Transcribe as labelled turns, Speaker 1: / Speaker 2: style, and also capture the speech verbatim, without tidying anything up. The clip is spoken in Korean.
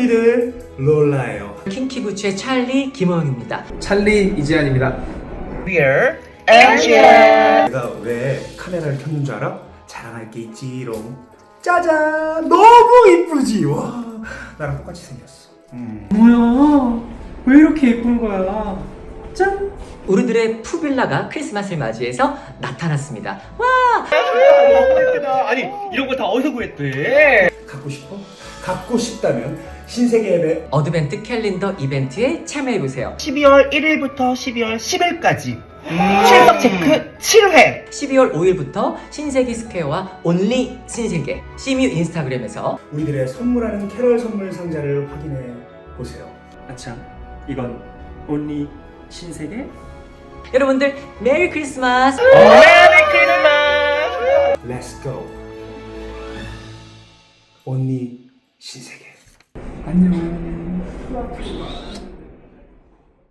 Speaker 1: 믿은 롤라예요.
Speaker 2: 킹키부츠의 찰리 김호영입니다.
Speaker 3: 찰리 이지안입니다.
Speaker 4: We're Angel.
Speaker 1: 내가 왜 카메라를 켰는 줄 알아? 자랑할 게 있지롱. 짜잔! 너무 이쁘지? 와, 나랑 똑같이 생겼어. 음.
Speaker 3: 뭐야? 왜 이렇게 예쁜 거야? 짠!
Speaker 2: 우리들의 푸빌라가 크리스마스를 맞이해서 나타났습니다. 와!
Speaker 4: 아니 이런 거 다 어디서 구했대?
Speaker 1: 갖고 싶어? 갖고 싶다면 신세계 앱에
Speaker 2: 어드벤트 캘린더 이벤트에 참여해보세요.
Speaker 4: 십이월 일일부터 십이월 십일까지 출석 체크 칠 회.
Speaker 2: 십이월 오일부터 신세계 스퀘어와 온리 신세계 씨뮤 인스타그램에서
Speaker 1: 우리들의 선물하는 캐럴 선물 상자를 확인해 보세요.
Speaker 3: 아참, 이건 온리 신세계?
Speaker 2: 여러분들 메리 크리스마스!
Speaker 4: 메리 크리스마스.
Speaker 1: Let's go. 언니 신세계.
Speaker 3: 안녕.